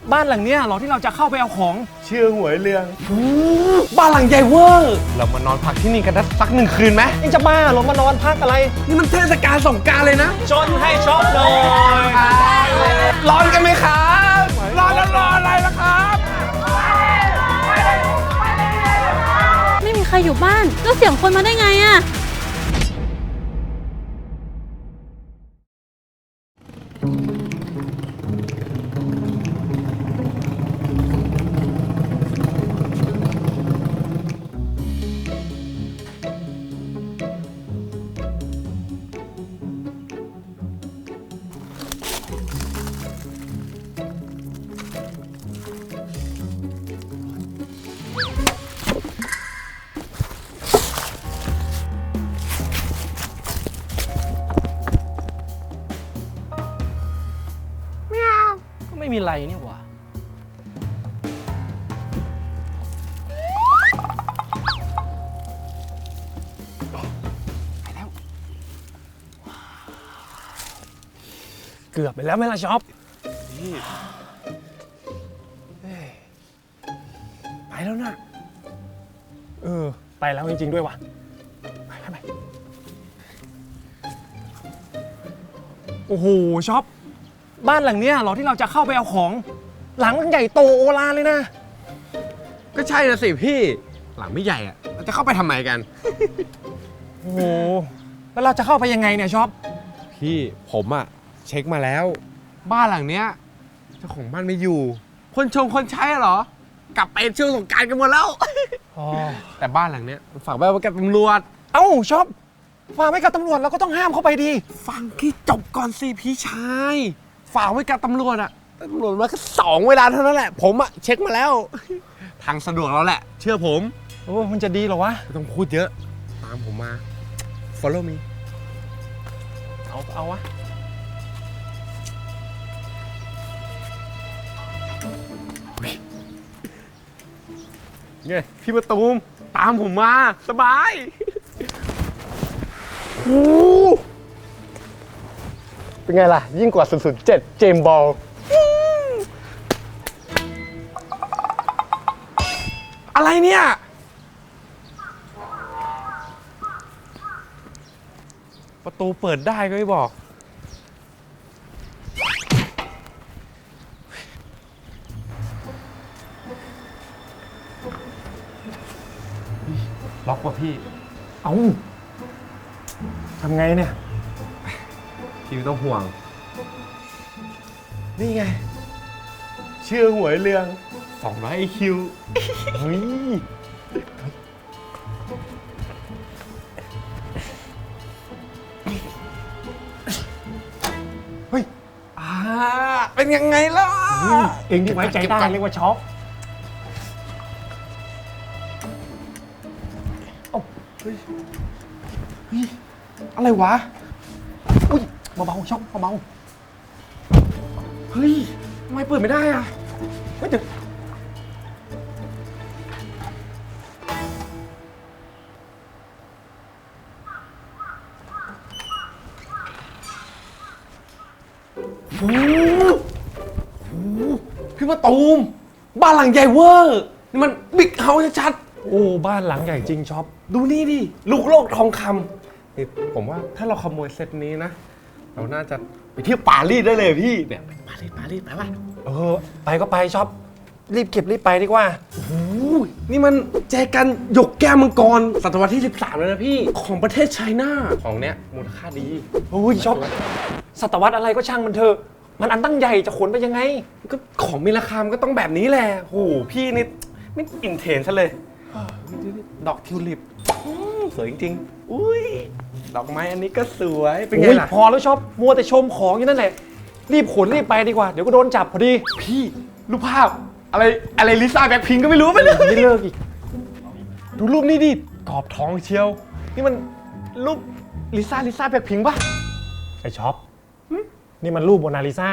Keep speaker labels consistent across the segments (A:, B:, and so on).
A: บ้านหลังเนี้ยเหรอที่เราจะเข้าไปเอาของ
B: ชื่อหวยเรือง
A: บ้านหลังใหญ่เวอร์
B: เรามานอนพักที่นี่กันสัก1 คืนไหม
A: นี่จะบ้าเหรอมานอนพักอะไร
B: นี่มันเทศกาลสงกรานต์เลยนะ
A: ชนให้ช็อปหน่อย
B: ร้อนกันไหมครับร้อนแล้วรออะไรล่ะครับ
C: ไม่มีใครอยู่บ้านแล้วเสียงคนมาได้ไงอะ
A: ก็ไม่มีไรนี่หว่าไปแล้วเกือบไปแล้วไหมล่ะช็อปไปแล้วนะไปแล้วจริงๆด้วยว่ะไปโอ้โหช็อปบ้านหลังเนี้ยเหรอที่เราจะเข้าไปเอาของหลังใหญ่โตโอฬารเลยนะ
B: ก็ใช่นะสิพี่หลังไม่ใหญ่อะเราจะเข้าไปทำไมกัน
A: โอ้โหแล้วเราจะเข้าไปยังไงเนี่ยช็อป
B: พี่ผมอะเช็คมาแล้วบ้านหลังเนี้ยเจ้าของบ้านไม่อยู่คนใช้เหรอกลับไปช่วงสงกรานต์กันหมดแล้วแต่บ้านหลังเนี้ยฝากไว้กับตำรวจ
A: เอ้าช็อปฝากไว้กับตำรวจเราก็ต้องห้ามเข้าไปดี
B: ฟังที่จบก่อนสิพี่ชายฝากไว้กับตำรวจอะตำรวจมาแค่2 เวลาเท่านั้นแหละผมอะเช็คมาแล้วทางสะดวกแล้วแหละเชื่อผม
A: โอ้มันจะดีเหรอวะ
B: ไม่ต้องพูดเยอะตามผมมา follow me
A: เอาวะ
B: ไงพี่มะตูมตามผมมาสบายเป็นไงล่ะยิ่งกว่า007เจมส์บอลอะไรเนี่ยประตูเปิดได้ก็ไม่บอกล็อกว่ะพี่
A: เอาทำไงเนี่ย
B: พี่ไม่ต้องห่วงนี่ไงชื่อหวยเรือง200 IQ เฮ้ยเป็นยังไงล่ะ
A: เองที่ไว้ใจได้เรียกว่าช็อป
B: อะไรวะ
A: อุ้ยเบาๆช็อปเบา
B: เฮ้ยทำไมเปิดไม่ได้อ่ะ
A: เฮ้ยเดี๋ยว
B: พี่มาตูมบ้านหลังใหญ่เวอร์นี่มันบิ๊กเฮาส์ชัด
A: โอ้บ้านหลังใหญ่จริงช็อป
B: ดูนี่ดิลูกโลกทองคำนี่ผมว่าถ้าเราขโมยเซตนี้นะเราน่าจะไปเที่ยวปารีสได้เลยพี่เนี่ยปารีสไปป่ะ
A: ไปก็ไปช็อปรีบเก็บรีบไปดีกว่า
B: โอ้ยนี่มันแจกันหยกแก้วมังกรศตวรรษที่13แล้วนะพี่ของประเทศไชน่าของเนี้ยมูลค่าดี
A: โอ้ยช็อปศตวรรษอะไรก็ช่างมันเถอะมันอันตั้งใหญ่จะขนไปยังไง
B: ก็ของมีราคามันก็ต้องแบบนี้แหละโอ้โหพี่นี่ไม่อินเทรนซะเลยดอกทิวลิปสวยจริงๆอุ้ยดอกไม้อันนี้ก็สวยเป็นไงล่ะ
A: พอแล้วช็อปมัวแต่ชมของอยู่นั่นแหละรีบขนรีบไปดีกว่าเดี๋ยวก็โดนจับพอดี
B: พี่รูปภาพอะไรลิซ่าแบล็คพิงค์ก็ไม่รู้ไปเลย
A: ไม่เลิกอีก
B: ดูรูปนี้ดิกรอบทองเชียวนี่มันรูปลิซ่าแบล็คพิงค์ป่ะ
A: ไอช็อปนี่มันรูปโมนาลิซา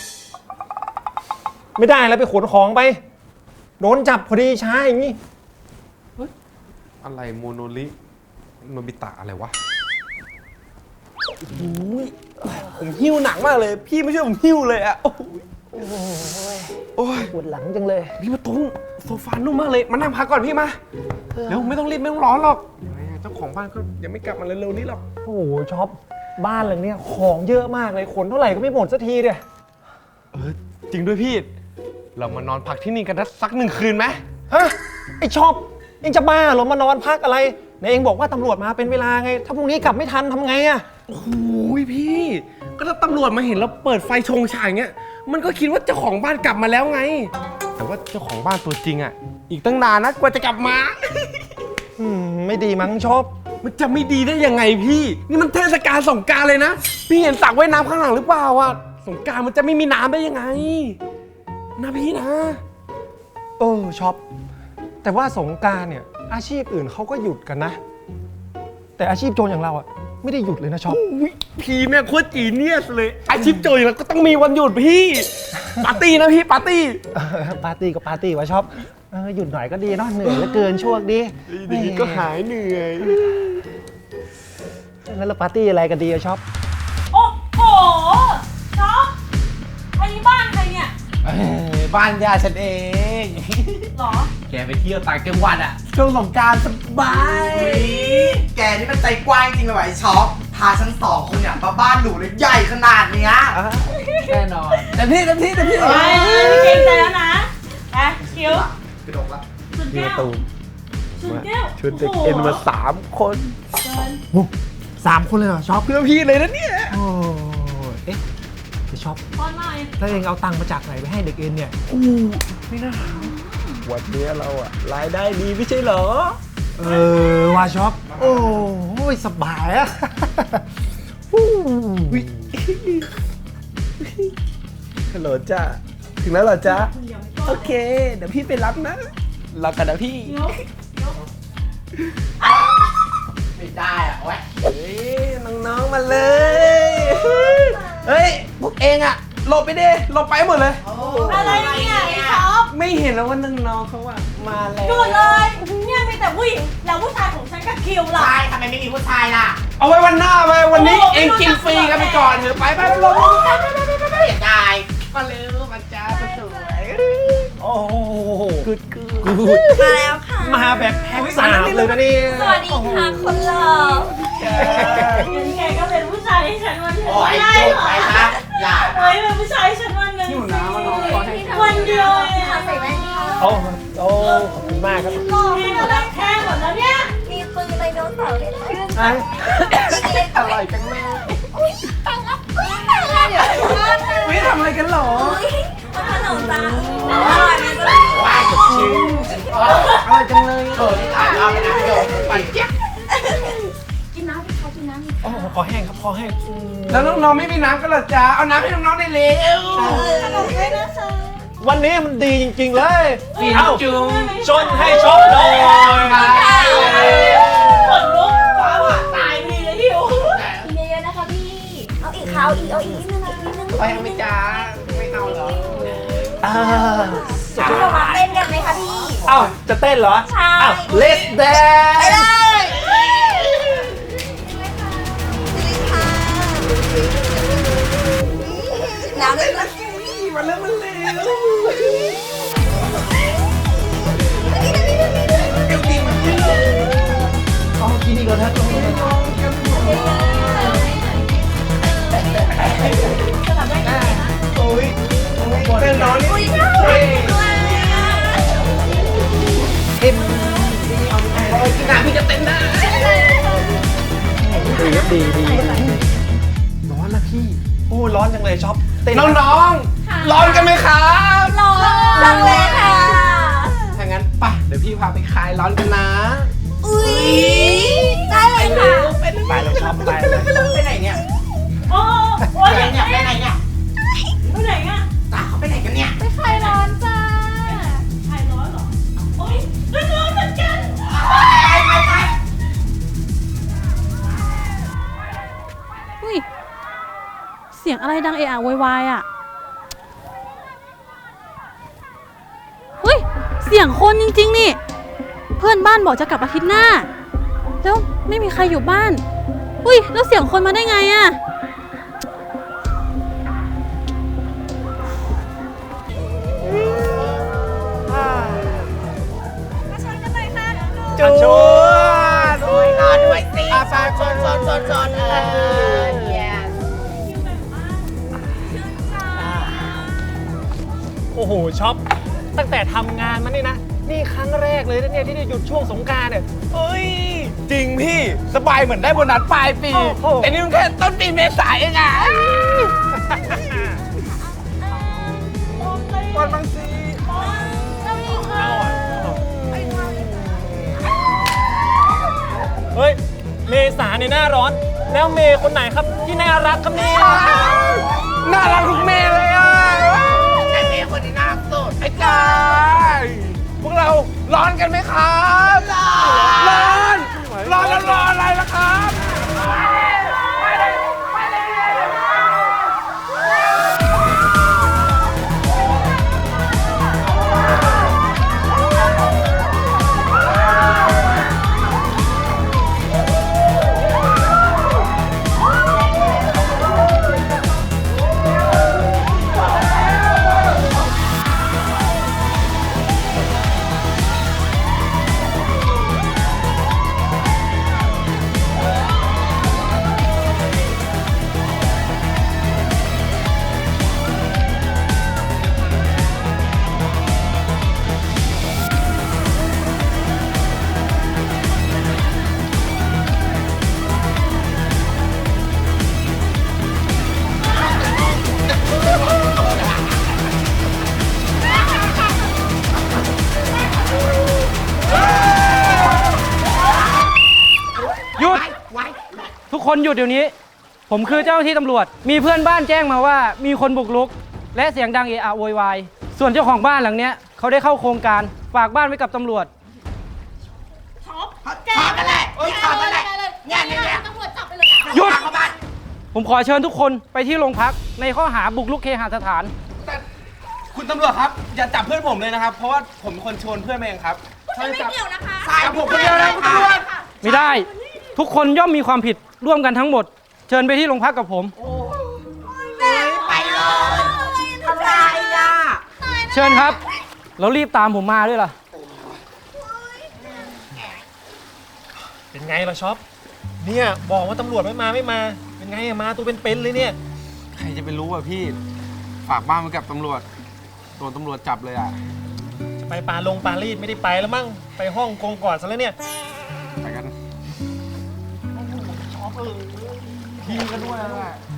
A: ไม่ได้แล้วไปขนของไปโดนจับพอดีช้าอย่างนี้
B: อะไรโมโนลิโนบิตะอะไรวะผมหิ้วหนักมากเลยพี่ไม่ช่วยผมหิ้วเลยอะโอ้ย
A: ปวดหลังจังเลย
B: พี่ประตูโซฟานุ่มมากเลยมานั่งพักก่อนพี่มาเดี๋ยวไม่ต้องรีบไม่ต้องร้อนหรอกเจ้าของบ้านก็ยังไม่กลับมาเร็วๆนี้หรอก
A: โอ้โหช็อปบ้านหลังเนี้ยของเยอะมากเลยขนเท่าไหร่ก็ไม่หมดสักทีเดีย
B: จริงด้วยพี่เรามานอนพักที่นี่กันสัก1 คืนไหม
A: ฮะไอช็อปเองจะบ้าเหรอมานอนพักอะไรไหนเองบอกว่าตำรวจมาเป็นเวลาไง ถ้าพรุ่งนี้กลับไม่ทันทำไงอะ
B: โอ้โหพี่ก็ถ้าตำรวจมาเห็นเราเปิดไฟชงฉายเงี้ยมันก็คิดว่าเจ้าของบ้านกลับมาแล้วไง แต่ว่าเจ้าของบ้านตัวจริงอ่ะอีกตั้งนานนะกว่าจะกลับมา
A: ไม่ดีมั้งช็อป
B: มันจะไม่ดีได้ยังไงพี่ นี่มันเทศกาลสงกรานต์เลยนะ พี่เห็นสระว่ายน้ำข้างหลังหรือเปล่าอ่ะสงกรานต์มันจะไม่มีน้ำได้ยังไงนะพี่นะ
A: ช็อปแต่ว่าสงกรานต์เนี่ยอาชีพอื่นเขาก็หยุดกันนะ แต่อาชีพโจรอย่างเราอะไม่ได้หยุดเลยนะช็อป
B: อุ๊ยพี่แม่งโคตรจีเนียสเลยอาชีพโจรอย่างเราก็ต้องมีวันหยุดพี่ปาร์ตี้นะพี่ปาร์ตี้
A: ปาร์ตี้ก็ปาร์ตี้วะช็อปหยุดหน่อยก็ดีเนาะเหนื่อยเหลือเกินช่วงนี้
B: ดีก็หายเหนื่อย
A: แล้วเราปาร์ตี้อะไรกันดีอะช็อป
C: โอ้โหช็อปอันนี้บ้านใครเนี่ย
B: บ้านย่าฉันเอง
C: หรอ
B: แกไปเที่ยวต่างจังหวัดอะช่วงสงกรานต์สบาย
D: แกนี่มันใจกว้างจริงเลยว่ะไอ้ช็อปพาฉัน2 คนเนี่ยมาบ้านหนูเลยใหญ่ขนาดเนี้ย
B: แน่นอนเต็มที่
C: ไปไม่เกรงใจแล้วนะไปคิว
D: กระดกละ
C: สุดแก้วสุดแก้ว
B: ชวนเด็กเอ็นมา3 คน
C: เดิน
A: 3 คนเลยเหรอช็อป
B: เพื่อพี่เลยนะเนี่ย
A: โอ้เอ๊ะจะช็อป
C: ป้อนหน่อย
A: แล้วเองเอาตังค์มาจากไหนไปให้เด็กเอ็นเนี่ย
B: วันนี้เราอะรายได้ดีไม่ใช่เหรอ
A: ว่าช็อปโอ้ยสบายอะ
B: ฮัลโหลจ้าถึงแล้วเหรอจ๊ะโอเค เดี๋ยวพี่ไปรับนะรอกันนะพี่
C: เดี๋ยว
D: ไม่ได้อะโอ๊ย
B: เฮ้ยน้องๆมาเลย เฮ้ยพวกเองอะหลบไปดิหลบไปหมดเลย
C: อะไรเนี่ยไอ้ช็อป
B: ไม่เห็นแล้วว่าน้องๆเขาอะมาแล้ว
C: ดูเลยเนี่ยมีแต่ผู้หญิงแล้วผู้ชายของฉันกับคิวล่ะ
D: ใช่ทำไมไม่มีผู้ชายล่ะ
B: เอาไว้วันหน้าไปวันนี้
C: โอ้โห
B: เองกินฟรีกันไปก่อนเถอะไปลง
D: เสียดาย
B: มาเร็วมาจ้ามาสวย
A: โอ้โห
B: กูด
E: มาแล้วค่ะ
A: มาแบบแพ็ค3เลยนะนี่
E: สวัสดีค่ะคนหล่อ
C: งั้นแกก็เป็นผู้ชายให้ฉันวันหนึง
D: โอ้ย
C: ไม่ได้
D: จ
C: เห
D: บ
C: รอ
D: ไปนะอย่า
C: เฮ้ยเป็นผู้ชายให้ฉันวันหนึงวันเดียวเอง
E: ค่ะใส่แว่นค่ะ
A: โอ้ขอบคุณมากครับ
C: นี่ก็รับแค่หมดแล้วเนี่ย
E: มีปืนไดโนเสาร์เลยนะ
A: อ่ะ
B: อร่อยจังแม่
E: อุ้ยตังค์เดี๋ยวก่อนนะ
B: ไม่ทำอะไรกันหรอ
E: อุ้ยมันขนมจ้าอร่อยไหมจ๊ะ
D: ว้ายชิว
B: อร่อยจังเลย
D: นี่ถ่ายรอบไปนะพี่โยไปเจ๊ยบ
E: กินน้ำดิคะกินน้ำดิ
A: โอ้คอแห้งครับคอแห้ง
B: แล้วน้องๆไม่มีน้ำกันเหรอจ๊ะเอาน้ำให้น้องๆได้เร็ว
E: ขนมด้วยนะคะ
A: วันนี้มันดีจริง ๆ เลย
B: ฟิน
A: เอ้า
B: จุง
A: ชนให้ช็อปหน่อย
C: ขนลุกฟ้าผ่าตายดีเลยพี่โอ้
E: กินเยอะๆนะคะพี่ เอาอีกค่ะเอาอีกนิดนึงนะนิดนึง
B: ไปไหมจ๊ะไม่เอาเหรอ
E: เรามาเต้นกันไหมคะพี่
A: เอ้าจะเต้นเหรอ
E: ใช่
A: อ้าว Let's
E: ไป
A: dance
E: เลยน้ำเลยนะ
B: มาเร็วมาเร็ว
A: อ๋อกินอีกแล้วนะ
B: โอ้ยเต้นน้องนี่
A: เอ็ม
B: กินน้ำพี่จะเต้นได้
A: ดีครับดีร้อนนะพี่ โอ้ร้อนจังเลยช็อปเต้น
B: น้องๆร้อนกันไหมครับ
E: ร้อนจังเลยค่ะ
B: ถ้างั้นไปเดี๋ยวพี่พาไปคลายร้อนกันนะ
E: อุ้ยได้เลยค่ะ
A: ไปเลยช็อปไปเลย
D: ไปไหนเนี่ย
C: โอ้โอ้
D: ไป
C: ย
D: ไหนเนี่ยไปไหนเนี่ย
C: ไปไหนอ่ะ
D: ตาเขาไปไหนกันเนี่ย
E: ไปคลายร้อนจ้า
C: ใครร้อนเหรอโอ้ยร้อนเหมือนกันอุ้ยเสียงอะไรดังเอะอะโวยวายอ่ะเฮ้ยเสียงคนจริงๆนี่ เพื่อนบ้านบอกจะกลับอาทิตย์หน้า แล้วไม่มีใครอยู่บ้านอุ้ยแล้วเสียงคนมาได้ไงอ่ะ
B: จูด
D: ด้วยรอด้วยสิ
B: ไปชน
D: yes
A: โอ้โหช็อปตั้งแต่ทำงานมานี่นะนี่ครั้งแรกเลยนะเนี่ยที่ได้หยุดช่วงสงกรานต์เนี่ยเอ้ย
B: จริงพี่สบายเหมือนได้โบนัสปลายปี
A: โอ้โห
B: แต่นี่มันแค่ต้นปีเมษายนเองอะวันบางซี
A: เฮ้ยเมษาในยหน้าร้อน แล้วเมย์คนไหนครับที่น่ารักครับเนี่ย
B: น่ารักทุกเมย์เลยอ่ะ
D: ไอ้เมย์คนนี้น่าสุด
B: ไอ้กายพวกเราร้อนกันไหมครับร้อนแล้วรออะไรล่ะครับ
F: หยุด ทุกคนหยุดเดี๋ยวนี้ ผมคือเจ้าหน้าที่ตำรวจ มีเพื่อนบ้านแจ้งมาว่ามีคนบุกรุก และเสียงดังเอะอะโวยวายส่วนเจ้าของบ้านหลังเนี้ยเขาได้เข้าโครงการฝากบ้านไว้กับตำรวจ
D: ถอดกันแหละถอดกันแหละเนี่ย
E: ตำรวจจับไปเลย
F: หยุด
D: เข้าบ้าน
F: ผมขอเชิญทุกคนไปที่โรงพักในข้อหาบุกรุกเคหสถาน
B: แต่คุณตำรวจครับ อย่าจับเพื่อนผมเลยนะครับ เพราะว่าผมเป็นคนชวนเพื่อนมาเองครับ
E: ไม่เกี่ยวนะคะ
B: จับผมคนเดียวนะคุณตำรวจ
F: ไม่ได้ ทุกคนย่อมมีความผิดร่วมกันทั้งหมด เชิญไปที่โรงพักกับผม
D: ไปเลยทำไรอ่ะ
F: เชิญครับ แล้วรีบตามผมมาด้วยล่ะ
A: เป็นไงล่ะช็อปเนี่ยบอกว่าตำรวจไม่มาเป็นไงอะมาตัวเป็นๆเลยเนี่ย
B: ใครจะไปรู้อ่ะพี่ ฝากบ้านไว้กับตำรวจโดนตำรวจจับเลยอ่ะ
A: จะไปปารีสไม่ได้ไปแล้วมั้งไปฮ่องกงก่อนซะแล้วเนี่ย
B: ไปกัน
A: ช็อปพี่ก็ด้วยแหละ